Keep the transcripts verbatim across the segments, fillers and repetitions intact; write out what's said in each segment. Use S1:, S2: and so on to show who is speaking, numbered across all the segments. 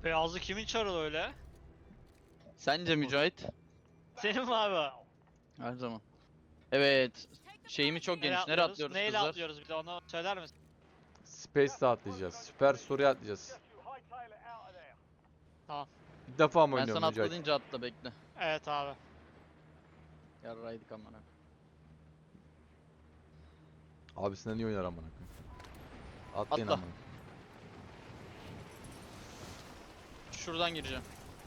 S1: Beyazlı kimin çarı öyle?
S2: Sence Mücahit?
S1: Senin mi abi?
S2: Her zaman. Evet. Şeyimi çok
S1: Nereye
S2: geniş. Nereye
S1: atlıyoruz?
S2: atlıyoruz
S1: Neyle
S2: kızlar?
S1: atlıyoruz bir de onu söyler misin?
S3: Space'de atlayacağız. Süper Story'e atlayacağız.
S1: Tamam.
S3: İlk defa mı
S2: Ben
S3: oynuyorum
S2: sana atla
S3: Mücahit?
S2: deyince atla bekle.
S1: Evet abi.
S2: Yarraydık amına.
S3: Abisinden iyi oynar amına koyayım. Atlayın
S2: Atla.
S3: amına.
S2: Şuradan gireceğim.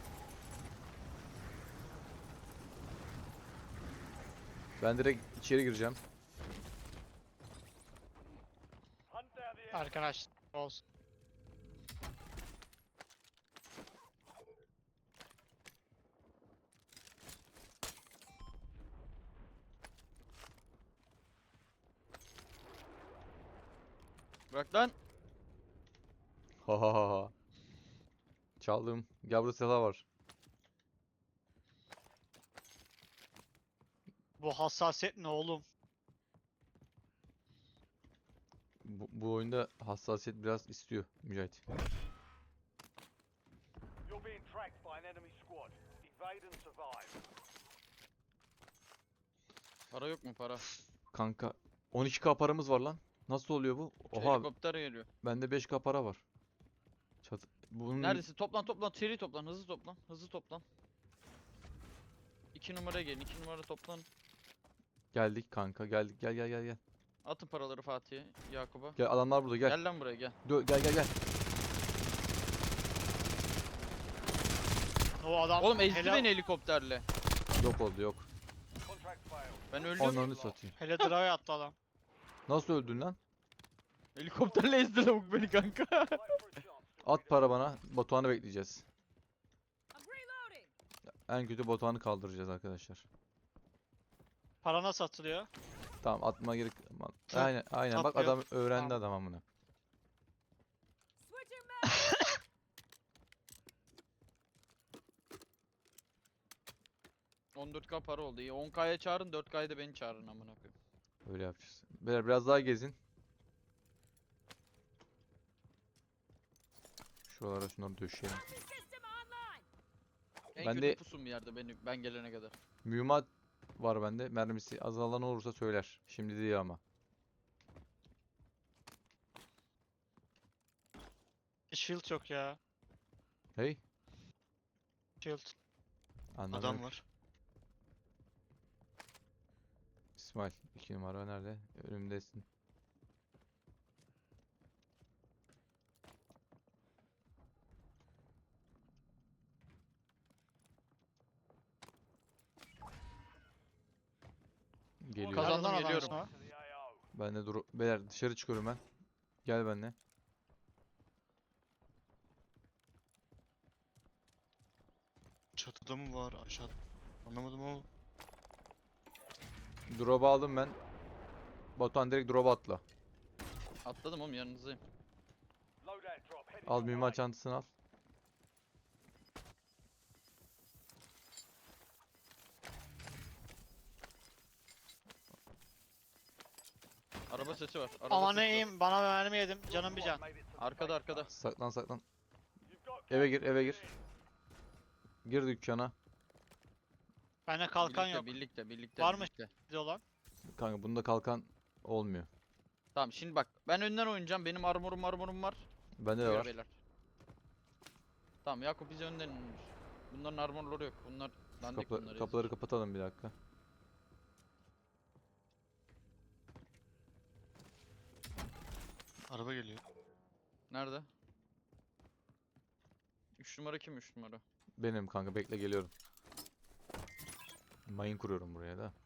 S3: Ben direkt içeri gireceğim.
S1: Arkadaş olsun.
S2: Bırak lan.
S3: Ha ha ha ha. Çaldım. Gel burada silah var.
S1: Bu hassasiyet ne oğlum?
S3: Bu, bu oyunda hassasiyet biraz istiyor Mücahit.
S4: You're being tracked by an enemy squad. Evade and survive.
S2: Para yok mu para?
S3: Kanka on iki K paramız var lan. Nasıl oluyor bu? Oha
S2: Helikopter geliyor.
S3: bende beş K para var. Çat bunun
S2: Neredesin? Toplan toplan. Seri toplan. Hızlı toplan. Hızlı toplan. İki numaraya gelin. İki numara toplan.
S3: geldik kanka geldik. Gel gel gel gel.
S2: Atın paraları Fatih'e. Yakup'a.
S3: Gel adamlar burada gel.
S2: Gel lan buraya gel.
S3: Dö- gel gel gel.
S1: O adam
S2: Oğlum ezdi
S1: hele,
S2: beni helikopterle.
S3: Yok oldu yok.
S4: Contract failed.
S2: Ben öldüm.
S3: Ananı satayım.
S1: hele drive attı adam.
S3: Nasıl öldün lan?
S2: Helikopterle ezdi lavuk beni kanka.
S4: Fight for a chance.
S3: At para bana. Batuhan'ı bekleyeceğiz.
S5: I'm reloading.
S3: En kötü Batuhan'ı kaldıracağız arkadaşlar.
S1: Para nasıl atılıyor?
S3: Tamam atma gerek. Aman.
S1: Tap-
S3: Aynen aynen bak
S1: tap yok.
S3: adam öğrendi
S1: Tamam.
S3: adam amına.
S5: Switching mags.
S2: on dört K para oldu. İyi. on K'ya çağırın, dört K'ya da beni çağırın amına koyayım.
S3: Öyle yapacağız. Beyler biraz daha gezin. Şuralara şunları döşeyelim.
S5: Sentry system online.
S2: En
S3: Ben
S2: kötü
S3: de-
S2: pusun bir yerde beni ben gelene kadar.
S3: Mühimmat var bende. Mermisi azalan olursa söyler. Şimdi değil ama.
S1: Shield yok ya.
S3: Hey.
S1: Shield.
S3: Anladım.
S1: Adam var.
S3: İsmail iki numara nerede? Önümdesin. Geliyor.
S2: Kazandım,
S1: Nereden adam
S2: geliyorum.
S1: sonra?
S4: To the A O.
S3: Ben de dur. Beyler dışarı çıkıyorum ben. Gel benimle.
S6: Çatıda mı var aşağı? Anlamadım ama.
S3: Drop'u aldım ben. Batuhan direkt drop'a atla.
S2: Atladım oğlum yanınızdayım.
S4: Loadout drop heading
S3: Al
S4: your
S3: mühimmat
S4: way.
S3: çantasını al.
S2: Araba sesi var. Araba
S1: Aman
S2: sesi var.
S1: neyim bana mermi yedim. Canım bir can.
S4: Made it to the
S2: Arkada
S4: safe
S2: arkada.
S4: zone.
S3: Saklan saklan.
S4: You've got
S3: Eve gir eve gir. Gir dükkana.
S1: Bende kalkan
S2: birlikte,
S1: yok.
S2: Birlikte birlikte.
S1: Var mı?
S2: birlikte.
S1: Bir de olan.
S3: Kanka bunda kalkan olmuyor.
S2: Tamam şimdi bak ben önden oynayacağım. Benim armorum armorum var.
S3: Bende de
S2: Buyur
S3: var.
S2: beyler. Tamam Yakup bize önden inir. Bunların armorları yok. Bunlar dandik
S3: Kapı-
S2: bunlar.
S3: kapıları
S2: ezik.
S3: kapatalım bir dakika.
S6: Araba geliyor.
S2: Nerede? üç numara kim üç numara?
S3: Benim kanka bekle geliyorum. Mayın kuruyorum buraya da.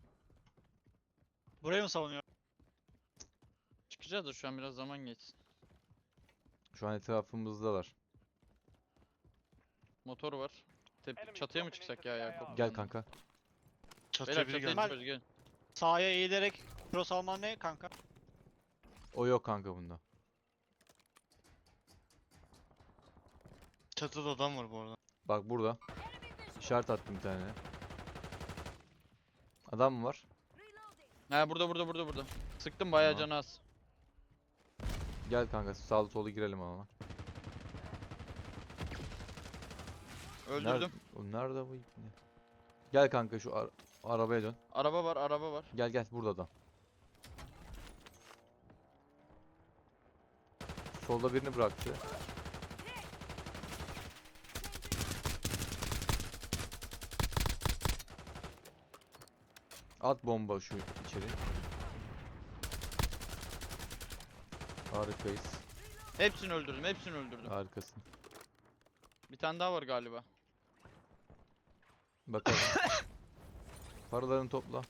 S1: Burayı mı savunuyor?
S2: Çıkacağız da şu an biraz zaman geçsin.
S3: Şu an etrafımızdalar.
S2: Motor var. Tep çatıya mı çıksak ya Yakup?
S3: Gel kanka.
S6: Çatıya
S2: Beyler
S6: biri
S2: çatıya
S6: geldi.
S2: çıkıyoruz gelin.
S1: Sağa eğilerek cross alman ne kanka?
S3: O yok kanka bunda.
S6: Çatıda adam var bu arada.
S3: Bak burada. İşaret attım bir tane. Adam mı var?
S5: Reloading.
S2: Ha burada burada burada burada. Sıktım bayağı
S3: Tamam.
S2: canı az.
S3: Gel kanka sağlı solu girelim ama.
S2: Öldürdüm.
S3: Nerede, o nerede bu ipne? Gel kanka şu ar- arabaya dön.
S2: Araba var, araba var.
S3: Gel gel burada da. Solda birini bıraktı. At bomba şu içeri. Harikayız.
S2: Hepsini öldürdüm, hepsini öldürdüm.
S3: Harikasın.
S2: Bir tane daha var galiba.
S3: Bakalım. Paralarını topla.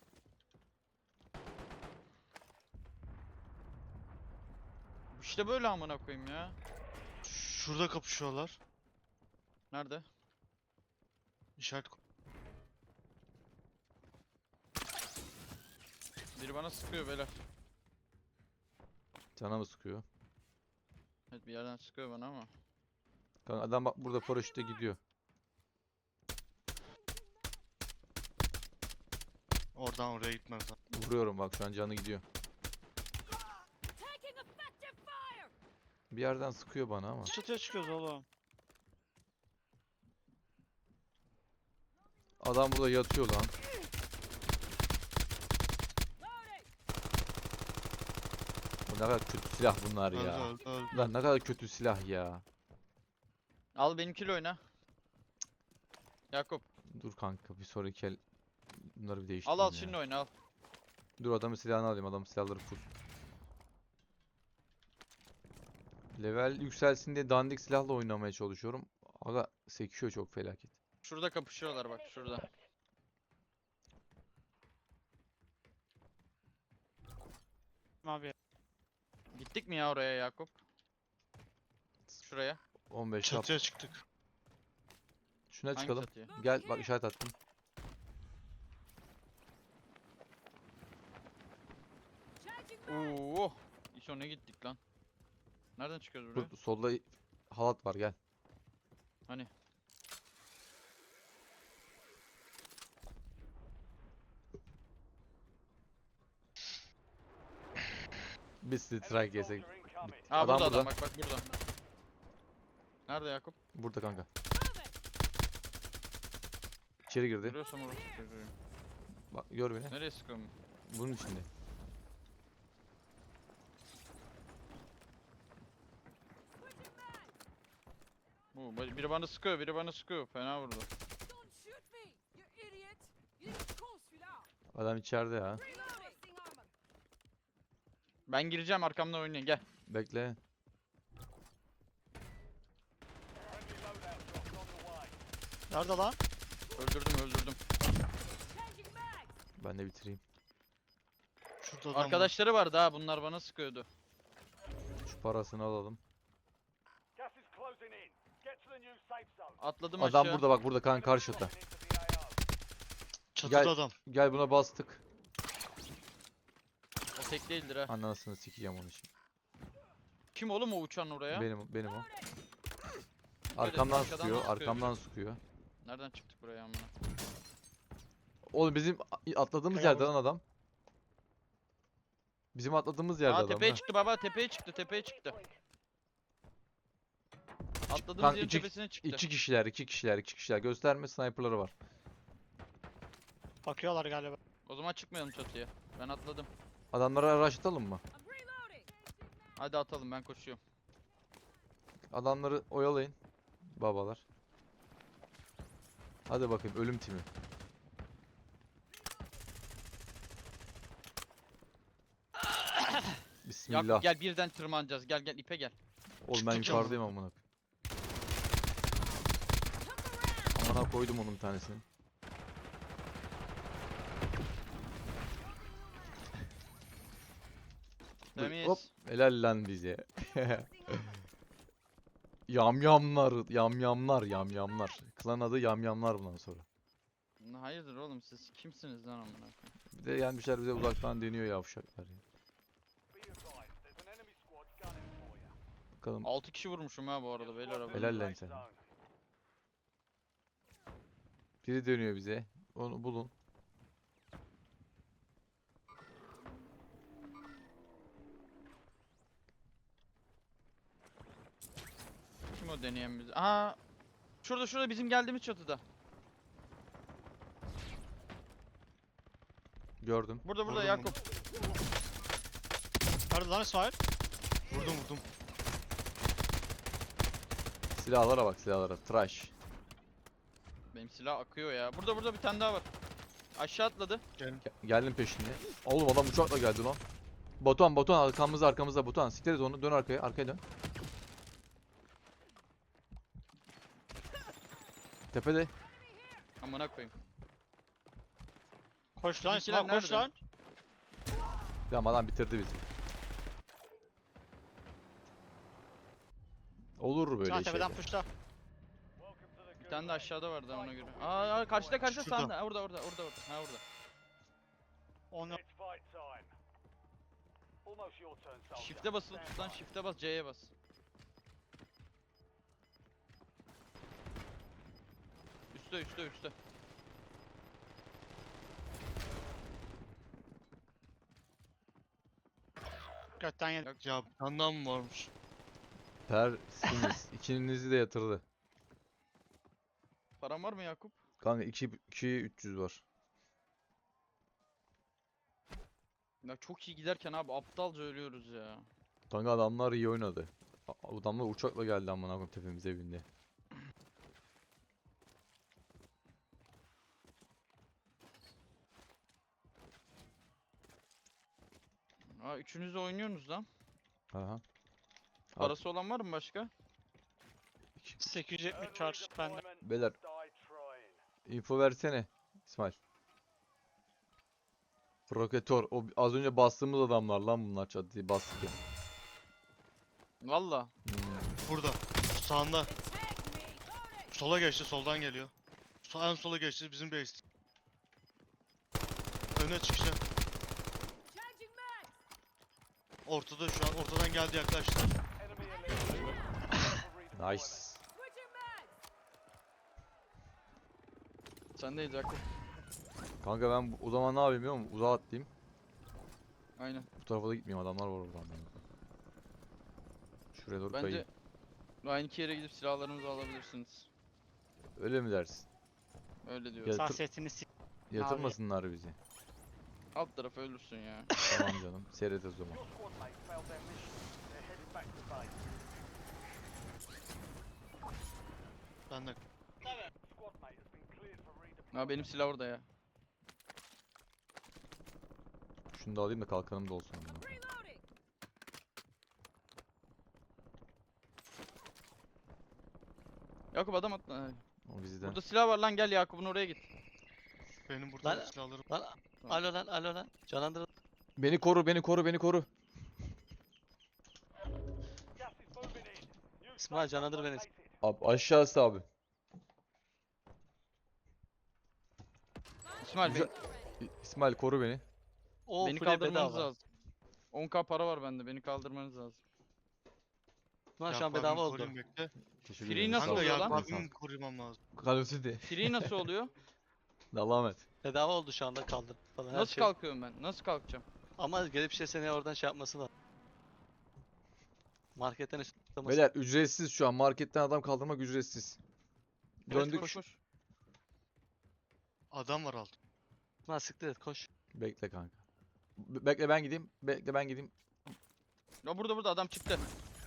S2: İşte böyle amına koyayım ya.
S6: Şurada kapışıyorlar.
S2: Nerede?
S6: İşaret ko-
S2: Biri bana sıkıyor beyler.
S3: Cana mı sıkıyor?
S2: Evet bir yerden sıkıyor bana ama.
S3: Kanka adam bak burada paraşütle gidiyor.
S6: Oradan oraya gitmez lan.
S3: Vuruyorum bak şu an canı gidiyor.
S5: Taking effective fire.
S3: Bir yerden sıkıyor bana ama.
S1: Çatıya çıkıyoruz oğlum.
S3: Adam burada yatıyor lan.
S5: Loading.
S3: Bu ne kadar kötü silah bunlar
S6: Öldü
S3: ya.
S6: öldü öldü.
S3: Lan ne kadar kötü silah ya.
S2: Al benimkiyle oyna. Yakup
S3: Dur kanka bir sonraki el bunları bir
S2: al
S3: değiştireyim
S2: al
S3: ya.
S2: şimdi oyna al.
S3: Dur adamın silahını alayım. Adamın silahları full. Level yükselsin diye dandik silahla oynamaya çalışıyorum. Aga sekiyor çok felaket.
S2: Şurada kapışıyorlar bak şurada.
S1: Abi.
S2: Gittik mi ya oraya Yakup? Şuraya.
S3: on beş yap.
S6: Çatıya çıktık.
S3: Şuna
S2: Hangi
S3: çıkalım.
S2: çatıya?
S3: Gel bak işaret attım.
S5: Changing mag.
S2: Oo. İşo ne gittik lan? Nereden çıkıyoruz buraya?
S3: Dur, solda halat var gel.
S2: Hani?
S3: Biz strike yesek.
S4: Soldier incoming.
S2: Aa
S3: Adam
S2: burada adam
S3: burada.
S2: bak bak burada. Nerede Yakup?
S3: Burada kanka.
S5: Moving.
S3: İçeri girdi.
S2: Görüyorsam orası çocuğu.
S3: Bak gör beni.
S2: Nereye sıkıyorum?
S3: Bunun içinde.
S5: Switching mag.
S2: Oo, ba- biri bana sıkıyor, biri bana sıkıyor. Fena vurdu.
S5: Don't shoot me, you idiot. You need to call celui-là.
S3: Adam içeride ya.
S5: Reloading. Armor.
S2: Ben gireceğim arkamdan oynayın gel.
S3: Bekle.
S4: Friendly loadout drops on the way.
S1: Nerede lan?
S2: Öldürdüm öldürdüm.
S5: Changing mag.
S3: Ben de bitireyim.
S6: Şurada adam var.
S2: Arkadaşları vardı ha bunlar bana sıkıyordu.
S3: Şu parasını alalım.
S4: Gas is closing in. Get to the new safe zone.
S2: Atladım
S3: Adam
S2: aşağı.
S3: burada bak burada kanka karşıda.
S4: Dropping into the A O.
S6: Çatıda
S3: Gel.
S6: adam.
S3: Gel buna bastık.
S2: O tek değildir ha.
S3: Anasını sikeceğim onu şimdi.
S2: Kim oğlum o uçan oraya?
S3: Benim benim o.
S5: Loading.
S3: Arkamdan
S2: arkadan
S3: sıkıyor,
S2: sıkıyor.
S3: arkamdan sıkıyor.
S2: Nereden çıktık buraya amına?
S3: Oğlum bizim a- atladığımız
S1: Kaya
S3: yerde lan adam. Bizim atladığımız yerde
S2: Aa
S3: adam.
S2: tepeye
S3: ha.
S2: çıktı baba tepeye çıktı tepeye çıktı. Atladığımız
S3: Kanka
S2: yerin
S3: iki-
S2: tepesine çıktı.
S3: İki kişiler, iki kişiler, iki kişiler. Gösterme sniperları var.
S1: Bakıyorlar galiba.
S2: O zaman çıkmayalım çatıya. Ben atladım.
S3: Adamları araştıralım mı?
S5: I'm reloading.
S2: Hadi atalım ben koşuyorum.
S3: Adamları oyalayın. Babalar. Hadi bakayım ölüm timi. Bismillah.
S2: Yakup gel birden tırmanacağız. Gel gel ipe gel.
S3: Oğlum ben
S6: Çıktım canım.
S3: yukarıdayım amına. Amına koydum onun bir tanesini. Dur,
S2: Temiz.
S3: Hop helal lan bize. Yamyamlar, yamyamlar, yamyamlar. Klan adı yamyamlar bundan sonra.
S2: Hayırdır oğlum siz kimsiniz lan amına koyayım?
S3: Bir de gelmişler bize uzaktan deniyor yavşaklar ya.
S4: Be advised, there's an enemy squad gunning for you.
S3: Bakalım
S2: altı kişi vurmuşum ha bu arada beyler abi.
S3: Helal lan
S4: Safe
S3: sana.
S4: zone.
S3: biri dönüyor bize. Onu bulun.
S2: Kim o deneyen bizi? Aa şurada şurada bizim geldiğimiz çatıda.
S3: Gördüm.
S2: Burada burada
S6: Vurdum
S2: Yakup.
S1: Nerede lan İsmail?
S6: Vurdum vurdum.
S3: Silahlara bak silahlara. Trash.
S2: Benim silah akıyor ya. Burada burada bir tane daha var. Aşağı atladı.
S3: Ge- Geldim peşinde. Oğlum adam uçakla geldi lan. Batuhan Batuhan arkamızda arkamızda Batuhan. Siktir et onu. Dön arkaya. Arkaya dön. Tepede.
S2: Amına koyayım.
S1: Koş lan
S2: Bizimkiler
S1: İsmail koş
S2: nerede?
S1: lan.
S3: Ya adam bitirdi bizi. Olur böyle
S1: İsmail
S3: şeyler.
S1: tepeden puşla.
S4: Welcome to the
S2: Bir tane de
S4: Gulag.
S2: aşağıda vardı ona göre. Aa, aa karşıda karşıda
S6: Şurada.
S2: sağında. Ha, Orada orada orada orada. Ha orada.
S1: Onu
S4: It's fight time. Almost your turn, soldier.
S2: Shift'e basılı
S4: Stand
S2: tut lan.
S4: by.
S2: Shift'e bas. C'ye bas. Üste üste üste.
S1: götten yedim.
S6: Ya bir tane daha mı varmış?
S3: Tersiniz. İkinizi de yatırdı.
S2: Paran var mı Yakup?
S3: Kanka iki üç yüz var.
S2: Ya çok iyi giderken abi aptalca ölüyoruz ya.
S3: Kanka adamlar iyi oynadı. A- Adamlar uçakla geldi amına koyayım tepemize bindi.
S2: Aa üçünüz de oynuyorsunuz lan.
S3: Aha. Abi.
S2: Parası olan var mı başka?
S1: sekiz yüz yetmiş
S4: Early
S1: charge bende.
S4: deployment,
S3: Beyler
S4: die trying.
S3: info versene İsmail. Proketör. O az önce bastığımız adamlar lan bunlar çatıyı bastık ya.
S2: Valla.
S3: Hmm.
S6: Burada. Sağında.
S5: Attack me! Got it!
S6: Sola geçti, soldan geliyor. So en sola geçti, bizim base. Öne çıkacak.
S5: Changing mags!
S6: Ortada şu an, ortadan geldi yaklaştı.
S4: Enemy eliminated. Redeployment.
S3: Nice.
S5: Switching mags!
S2: Sendeyiz Yakup.
S3: Kanka ben bu- o zaman ne yapayım biliyor musun? Uzağa atlayayım.
S2: Aynen.
S3: Bu tarafa da gitmeyeyim adamlar var oradan. Şuraya doğru
S2: Bence
S3: kayayım.
S2: aynı iki yere gidip silahlarımızı alabilirsiniz.
S3: Öyle mi dersin?
S2: Öyle diyor.
S3: Gel. Yatır-
S1: Hassasiyetini s**.
S3: Yatırmasınlar bizi.
S2: Alt tarafı ölürsün ya.
S3: Tamam canım. Seyret o zaman.
S4: Your squad mates failed their mission. They're heading back to base.
S6: Ben de
S4: Squad mate has been cleared for redeployment.
S2: Ha benim silah orada ya.
S3: Şunu da alayım da kalkanım da olsun. amına koyayım.
S5: Reloading!
S2: Yakup adam atla. Ha,
S3: O bizden.
S2: Burada silah var lan gel Yakup'un oraya git.
S6: benim burada
S7: Lan-
S6: silahlarım.
S7: Lan alo lan alo lan. Canlandır.
S3: Beni koru, beni koru, beni koru.
S4: Gas is moving in. New
S7: İsmail,
S4: safe zone
S7: canlandır beni.
S4: located.
S3: Abi aşağısı abi.
S2: İsmail
S3: Güzel-
S2: beni,
S3: İ- İsmail koru beni.
S7: O
S2: beni
S7: full
S2: kaldırmanız
S7: bedava.
S2: lazım. on k para var bende beni kaldırmanız lazım.
S7: Lan şu an
S6: Yakup
S7: bedava
S6: abimi
S7: oldu.
S6: koruyayım, bekle.
S3: Teşekkür
S2: Free
S3: ederim.
S2: nasıl
S3: sağ ol.
S6: Kanka
S2: oluyor lan?
S6: Yakup abimi korumam lazım.
S3: Call of Duty.
S2: Free nasıl oluyor?
S3: Allah'a emanet.
S7: Bedava oldu şu anda kaldır falan her
S2: Nasıl
S7: şey.
S2: kalkıyorum ben? Nasıl kalkacağım?
S7: Ama gelip şey seni oradan şey yapması lazım. Marketten isteması.
S3: Beyler ücretsiz şu an. Marketten adam kaldırmak ücretsiz.
S2: Evet,
S3: Döndük.
S2: koş, koş.
S6: Adam var alt.
S7: Lan siktir et koş.
S3: Bekle kanka. Be- bekle ben gideyim. Bekle ben gideyim.
S2: Ya burada burada adam çıktı.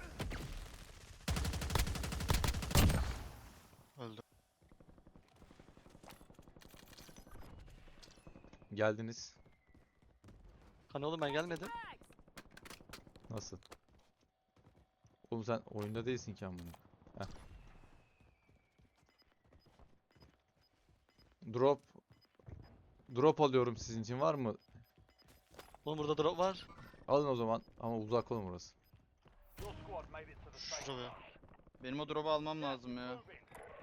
S6: Öldü.
S3: Geldiniz.
S7: Hani oğlum ben gelmedim.
S5: Mags!
S3: Nasıl? Oğlum sen oyunda değilsin ki amına. Heh. Drop. Drop alıyorum sizin için var mı?
S7: Oğlum burada drop var.
S3: Alın o zaman ama uzak olun burası.
S4: Your squad made it to the safe
S6: Şuraya.
S4: zone.
S2: Benim o drop'u almam lazım ya.
S4: Moving.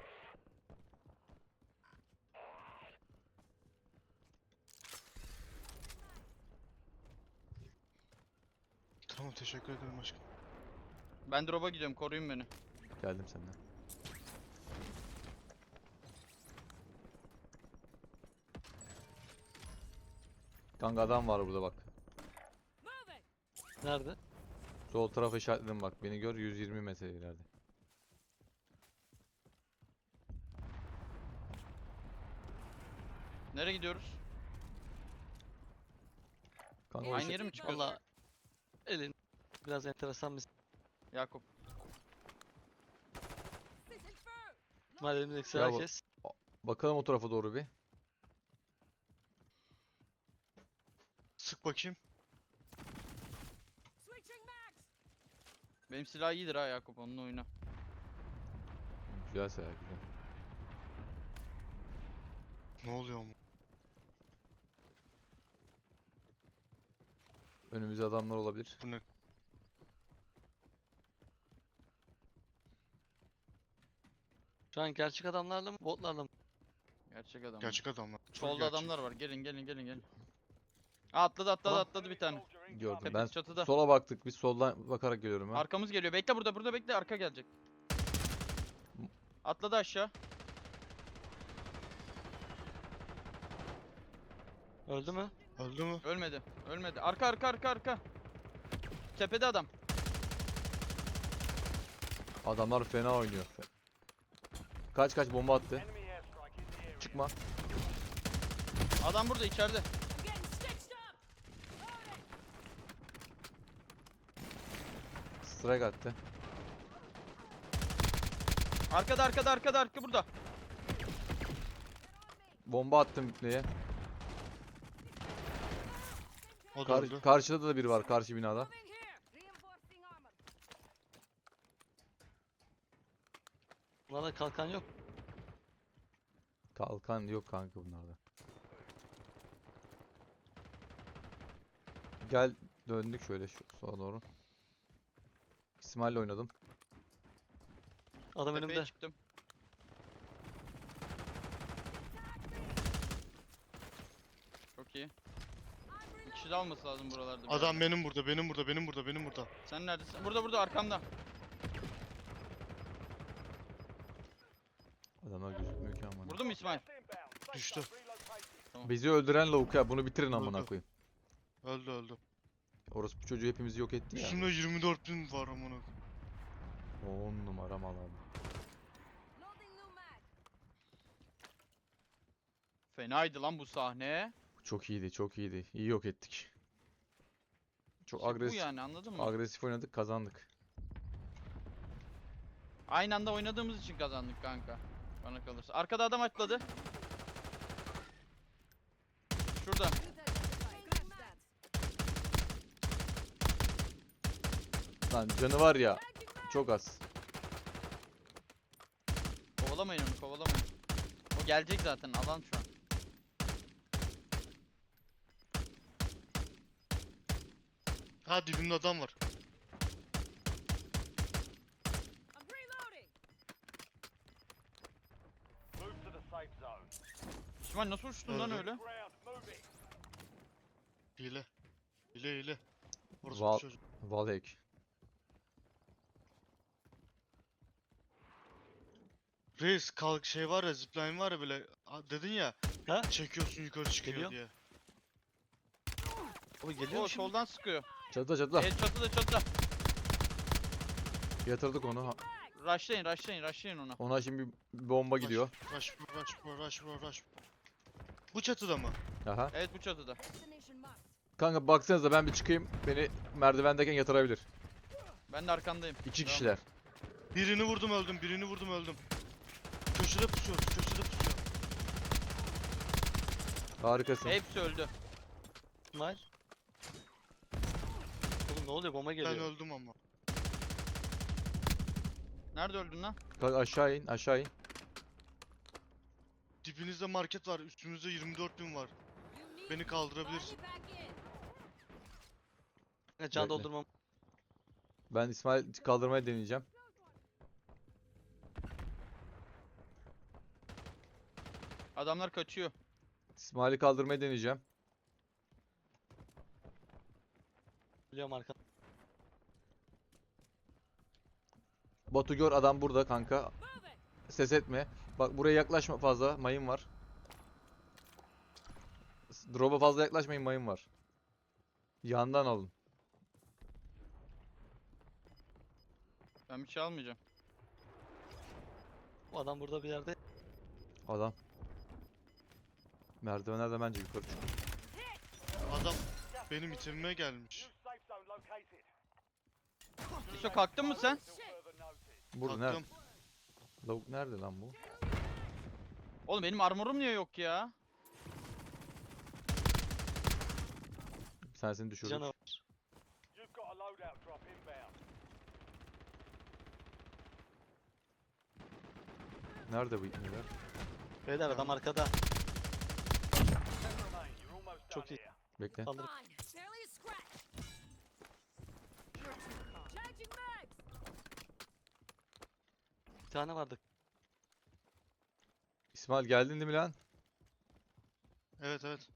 S6: Tamam teşekkür ederim aşkım.
S2: Ben drop'a gidiyorum koruyun beni.
S3: Geldim senden. Kanka adam var burada bak.
S5: Moving!
S7: Nerede?
S3: Sol tarafa işaretledim bak. Beni gör yüz yirmi metre ileride.
S2: Nereye gidiyoruz?
S3: Kanka o
S2: Aynı
S3: işe-
S2: yere mi çıkıyoruz?
S7: Valla elin biraz enteresan bir
S2: Yakup.
S5: Sitting through.
S7: İsmail elimizdeki
S3: Ya bu-
S7: herkes.
S3: Bakalım o tarafa doğru bir.
S6: Sık bakayım.
S5: Switching mags.
S2: Benim silah iyidir ha Yakup, onunla oyna.
S3: Güzel sayı güzel.
S6: Ne oluyor mu?
S3: Önümüzde adamlar olabilir.
S6: Bu ne?
S7: Şu an gerçek adamlarla mı botlarla mı?
S2: Gerçek adam.
S6: Gerçek adamlar. Çok
S2: Solda
S6: gerçek.
S2: adamlar var. Gelin gelin gelin gelin. Aa, atladı atladı
S3: Tamam.
S2: atladı bir tane.
S3: Gördüm.
S2: Tepesi
S3: Ben
S2: çatıda.
S3: sola baktık. Biz soldan bakarak geliyorum ben.
S2: Arkamız geliyor. Bekle burada burada bekle, arka gelecek. Atladı aşağı.
S7: Öldü mü?
S6: Öldü mü?
S2: Ölmedi. Ölmedi. Arka arka arka arka. Tepede adam.
S3: Adamlar fena oynuyor. Kaç kaç bomba attı.
S4: Enemy airstrike in the area.
S3: Çıkma.
S2: Adam burada içeride.
S5: I'm getting stitched up. Loading.
S3: Strike attı.
S2: Arkada arkada arkada arka burada.
S3: Bomba attım neye?
S6: O da
S3: Kar-
S6: öldü.
S3: karşıda da biri var karşı binada.
S5: Moving here. Reinforcing armor.
S7: Bunlarda kalkan yok.
S3: Kalkan yok kanka bunlarda. Gel döndük şöyle şu sola doğru. İsmail'le oynadım.
S7: Adam
S2: Tepeye
S7: önümde.
S2: çıktım. Çok iyi. Bir kişi de alması lazım buralarda. bir
S6: Adam
S2: yerde.
S6: benim burada, benim burada, benim burada, benim burada.
S2: Sen neredesin? Burada burada arkamda.
S3: Adamlar gözükmüyor ki amına.
S2: Vurdun mu İsmail?
S4: Gas inbound. Safe
S6: Düştü.
S4: zone relocated.
S3: Bizi öldüren lavuk ya bunu bitirin amına
S6: Öldü.
S3: koyayım.
S6: Öldü öldü.
S3: Orası bu çocuğu hepimizi yok etti ya.
S6: Üstümde yirmi dört bin var amına.
S3: on numara mal abi.
S5: Loading new mag.
S2: Fenaydı lan bu sahne.
S3: Çok iyiydi çok iyiydi. İyi yok ettik. Çok
S2: İşte bu
S3: agresif
S2: yani, anladın mı?
S3: agresif oynadık kazandık.
S2: Aynı anda oynadığımız için kazandık kanka. Bana kalırsa. Arkada adam atladı. Şurada.
S5: Good stats.
S3: Lan canı var ya çok az.
S2: Kovalamayın onu, kovalamayın. O gelecek zaten, alan şu an.
S6: Ha dibimde adam var.
S5: I'm reloading.
S4: Move to the safe zone.
S2: İsmail nasıl uçtun lan
S6: Öldü.
S2: öyle?
S4: Ground. Moving.
S6: Hile. Hile hile. Orası
S3: Val-
S6: bu çocuk.
S3: Valek.
S6: Reis kalk şey var ya, zipline var ya böyle, a- dedin ya,
S7: Ha?
S6: çekiyorsun yukarı çıkıyor
S7: Geliyor.
S6: diye.
S7: Abi geliyor
S2: O
S7: mu şimdi?
S2: soldan sıkıyor.
S3: Çatıda çatıda.
S2: Evet çatıda çatıda.
S3: Yatırdık onu. Ha-
S2: Rushlayın rushlayın rushlayın onu.
S3: Ona şimdi bir bomba gidiyor.
S6: Rush bro, rush bro, rush bro, rush bro. Bu çatıda mı?
S3: Aha.
S2: Evet bu çatıda.
S5: Destination marked.
S3: Kanka baksanıza ben bir çıkayım. Beni merdivendeyken yatırabilir.
S2: Ben de arkandayım.
S3: İki
S2: Devam.
S3: kişiler.
S6: Birini vurdum öldüm, birini vurdum öldüm. Köşede pusuyor, köşede pusuyor.
S3: Harikasın.
S2: Hepsi öldü.
S7: İsmail. Oğlum ne oluyor? Bomba
S6: Ben
S7: geliyor.
S6: öldüm ama.
S2: Nerede öldün lan?
S3: Kanka aşağı in aşağı in.
S6: Dibinizde market var, üstümüzde yirmi dört bin var.
S5: You need
S6: Beni kaldırabilirsin.
S5: body back in.
S7: Kanka Can
S3: Bekle.
S7: doldurmam.
S3: Ben İsmail kaldırmaya deneyeceğim.
S2: Adamlar kaçıyor.
S3: İsmail'i kaldırmaya deneyeceğim.
S7: Biliyorum arka.
S3: Batu gör adam burada kanka.
S5: Moving.
S3: Ses etme. Bak buraya yaklaşma fazla. Mayın var. S- Drop'a fazla yaklaşmayın mayın var. Yandan alın.
S2: Ben bir şey almayacağım.
S7: Bu adam burada bir yerde.
S3: Adam. Merdivenlerden bence yukarı çık.
S6: Adam benim itemime gelmiş.
S4: New safe zone located.
S2: İso kalktın mı sen?
S4: Until further notice.
S3: Burada nerede?
S6: Taktım.
S3: Lavuk nerede lan bu?
S2: Oğlum benim armorum niye yok ya?
S3: Sen seni düşürdük.
S7: Canavar.
S4: You've got a loadout drop inbound.
S3: Nerede bu ipneler?
S7: Beyler adam arkada.
S4: Ten remain. You're almost
S7: Çok
S4: done
S7: iyi.
S4: here.
S3: Bekle.
S7: Kaldır.
S5: Fine. Barely a scratch. You're too calm. Changing mags.
S7: Bir tane vardı.
S3: İsmail geldin değil mi lan?
S6: Evet evet.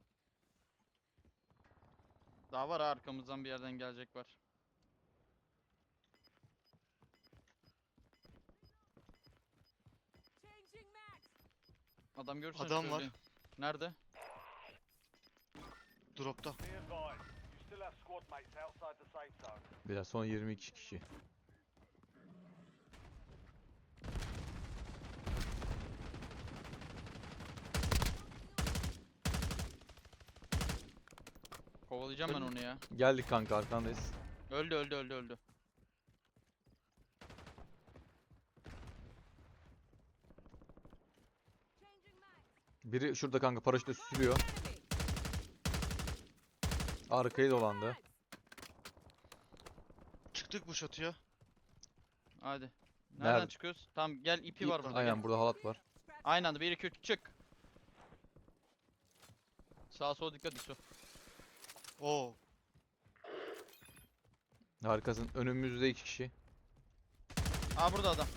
S2: Daha var ha, arkamızdan bir yerden gelecek var.
S5: Changing mags.
S2: Adam görürsen
S6: Adam var.
S2: söyleyin. Nerede?
S6: Dropta.
S4: Be advised. You still have squad mates outside the safe zone.
S3: Biraz son yirmi iki kişi.
S2: Kovalayacağım ben onu ya.
S3: Geldik kanka arkandayız.
S2: Öldü öldü öldü öldü.
S5: Changing mags.
S3: Biri şurada kanka paraşütle süzülüyor.
S5: Enemy.
S3: Arkayı dolandı.
S6: Çıktık bu çatıya.
S2: Hadi. Nereden
S3: Nerede?
S2: çıkıyoruz? Tamam gel, ipi var burada.
S3: Aynen
S2: Gel.
S3: burada halat var.
S2: Aynı anda bir iki üç çık. Sağa sola dikkat İso.
S6: Oo.
S3: Harikasın. Önümüzde iki kişi.
S2: Aa burada adam.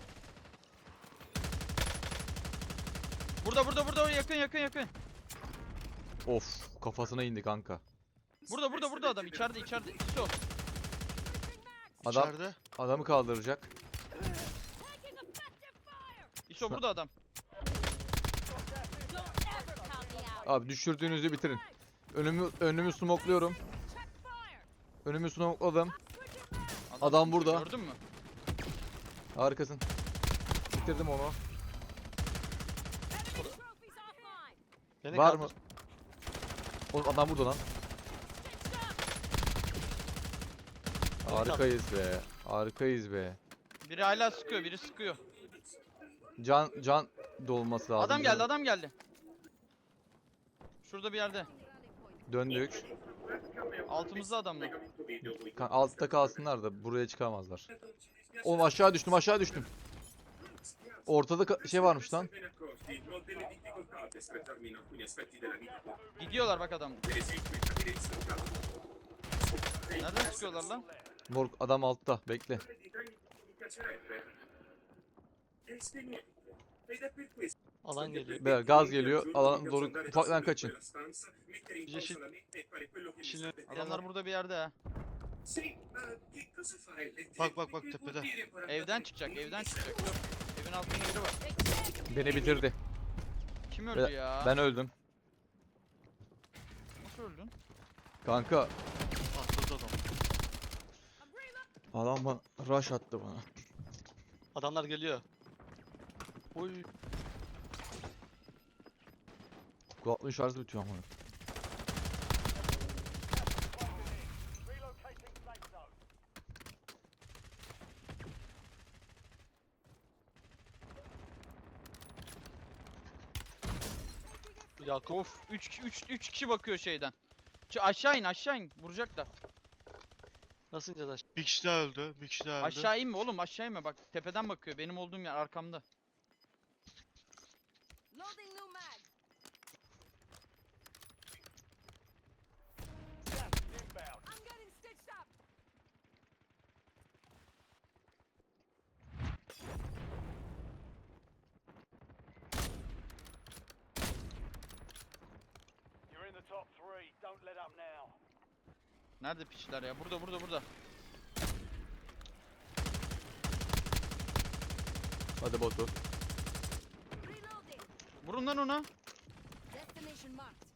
S2: Burada burada burada yakın yakın yakın.
S3: Of kafasına indi kanka.
S2: Burada burada burada adam içeride içeride. İso.
S3: Adam
S6: İçeride.
S3: adamı kaldıracak.
S5: Taking effective fire.
S2: İso burada adam.
S5: Don't ever count me out.
S3: Abi düşürdüğünüzü bitirin. Önümü önümü smokluyorum.
S5: Check fire.
S3: Önümü smokladım.
S5: Switching mags.
S3: Adam burada.
S2: Gördün mü?
S3: Harikasın. Bitirdim onu.
S5: Enemy trophies offline.
S7: Beni
S3: Var
S7: kaldır.
S3: mı? Oğlum adam burada lan.
S5: Stitched up.
S3: Harikayız be. Harikayız be.
S2: Biri hala sıkıyor, biri sıkıyor.
S3: Can can dolması lazım.
S2: Adam geldi, adam geldi. Şurada bir yerde.
S3: Döndük.
S2: Altımızda adam mı?
S3: Kan- Altta kalsınlar da buraya çıkamazlar. Oğlum aşağı düştüm aşağı düştüm. Ortada ka- şey varmış lan.
S2: Gidiyorlar bak adam. Nereden sıkıyorlar lan?
S3: Morg adam altta bekle.
S7: Alan geliyor.
S3: Beyler gaz geliyor. Alan doğru ufaktan kaçın.
S7: Yeşil. Yeşilin
S2: Adamlar burada bir yerde ha.
S6: Bak bak bak tepede.
S2: Evden çıkacak, evden çıkacak. Dur. Evin altında biri var.
S3: Beni bitirdi.
S2: Kim öldü
S3: Ben-
S2: ya?
S3: Ben öldüm.
S2: Nasıl öldün?
S3: Kanka
S6: Atladı adam.
S5: I'm reloading.
S3: adam bana rush attı bana.
S7: Adamlar geliyor. Oy.
S3: Kulaklığın şarjı bitiyor ama.
S4: Relocating safe zone.
S7: Yakup.
S2: Of, üç üç kişi bakıyor şeyden. Ç aşağı in, aşağı in. Vuracaklar.
S7: Nasıl ineceğiz aşağı?
S6: Bir kişi daha öldü. Bir kişi daha öldü.
S2: Aşağı inme oğlum, aşağı inme bak. Tepeden bakıyor. Benim olduğum yer arkamda.
S5: Loading new mag.
S4: Gas is inbound.
S5: I'm getting stitched up.
S4: You're in the top three. Don't let up now.
S2: Nerede piçler ya? Burada burada burada.
S3: Hadi Batu.
S5: Reloading.
S2: Vurun lan ona.
S5: Destination marked.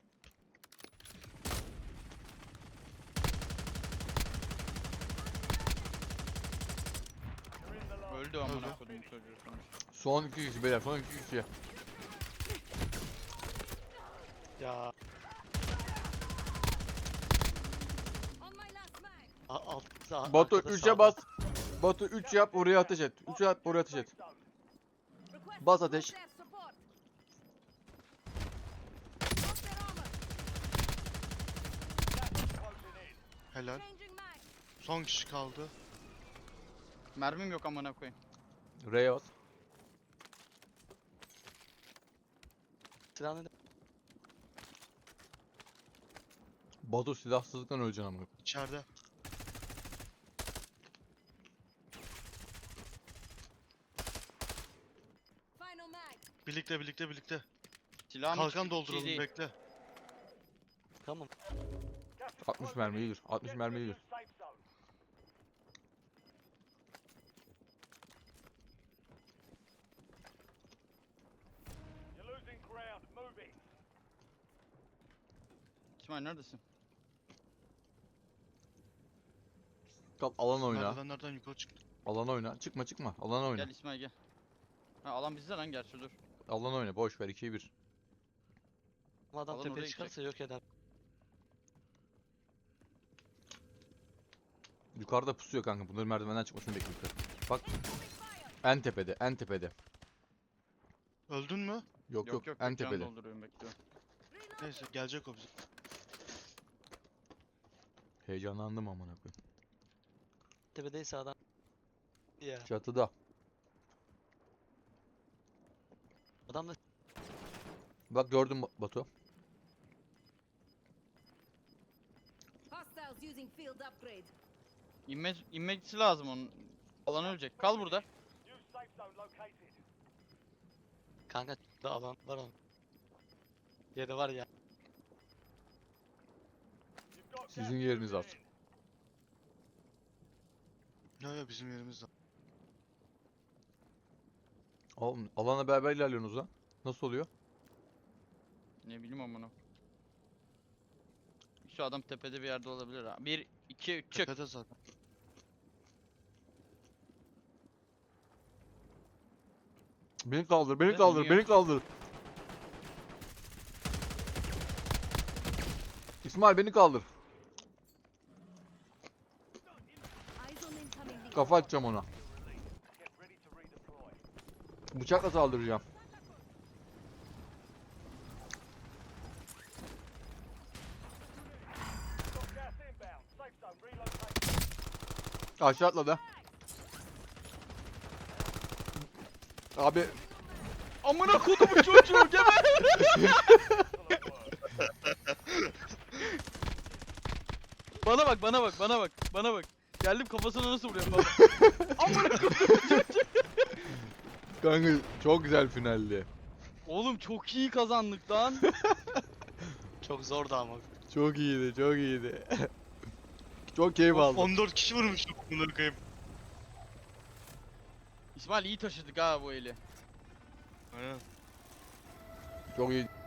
S4: You're in the last.
S2: Öldü amına
S6: Öldü.
S2: koydum çocuğu sonuç.
S3: Son iki kişi beyler son iki kişi.
S7: Ya
S5: On my last mag.
S7: a- alt, sağ,
S3: Batu
S7: arkada
S3: üçe
S7: sağda.
S3: bas. Batu üç yap oraya ateş et. üç yap oraya ateş et.
S5: Requesting
S3: Bas ateş.
S5: close air support. Drop their armor.
S4: Closing in.
S6: Helal.
S5: Changing mag.
S6: Son kişi kaldı.
S2: Mermim yok amına koyayım.
S3: R'ye bas.
S7: Silah ne?
S3: Batu silahsızlıktan öleceksin amına.
S6: İçeride.
S5: Final mag.
S6: Birlikte birlikte birlikte.
S2: Silahım hiç
S6: Kalkan
S2: iyi
S6: dolduralım
S2: değil.
S6: bekle.
S7: Tamam.
S4: Gas is
S3: altmış
S4: closing
S3: mermi
S4: in.
S3: iyidir. altmış
S4: Get
S3: mermi
S4: to the
S3: iyidir.
S4: safe zone. You're losing ground. Moving.
S2: İsmail neredesin?
S3: Kal alan oyna.
S6: Merdivenlerden yukarı çıktı.
S3: Alan oyna. Çıkma çıkma. Alan oyna.
S2: Gel İsmail gel. Ha alan bizde lan gerçi dur.
S3: Alan oyna. Boş ver ikiye bir.
S7: Ama adam
S2: Alan
S7: tepeye
S2: oraya
S7: çıkarsa yok eder.
S3: Yukarıda pusuyor kanka. Bunların merdivenden çıkmasını bekliyor. Bak
S5: Incoming fire.
S3: en tepede. En tepede.
S6: Öldün mü?
S3: Yok
S2: Yok
S3: yok.
S2: yok,
S3: en
S2: yok can
S3: tepede.
S2: dolduruyorum bekliyorum.
S5: Reload.
S6: Neyse gelecek o bize.
S3: Heyecanlandım amına koyayım.
S7: Tepedeyse adam. Ya.
S3: Çatıda.
S7: Adam da
S3: Bak gördün Ba- Batu.
S5: Hostiles using field upgrade.
S2: İnme, inmesi lazım onun. Alan ölecek. Kal burada.
S4: New safe zone located.
S7: kanka da alan var onun. Yeri var ya.
S4: You've got
S3: Sizin
S4: gas
S3: yeriniz
S4: moving
S3: az.
S4: in.
S6: Ya ya bizim yerimizde.
S3: Oğlum alana beraber ilerliyorsunuz lan. Nasıl oluyor?
S2: Ne bileyim amına. Şu adam tepede bir yerde olabilir ha. bir iki üç çık.
S6: Tepede zaten.
S3: Beni kaldır, beni
S2: Ben
S3: kaldır,
S2: iniyorum.
S3: beni kaldır. İsmail beni kaldır.
S5: Eyes on incoming lead.
S3: Kafa atacağım ona.
S4: Get ready to redeploy.
S3: Bıçakla saldıracağım.
S4: Got gas inbound. Safe zone relocated.
S3: Aşağı atladı. Abi
S2: Amına kodumun çocuğu geber.
S4: Excellent work.
S2: Bana bak bana bak bana bak bana bak. Geldim kafasına nasıl vuruyorum baba. Amına kodum.
S3: kanka çok güzel finaldi.
S2: Oğlum çok iyi kazandık lan.
S7: Çok zordu ama.
S3: Çok iyiydi, çok iyiydi. çok keyif aldım.
S6: on dört kişi vurmuştum bunları kayıp.
S2: İsmail iyi taşıdık ha bu eli.
S6: Aynen.
S3: Çok iyi.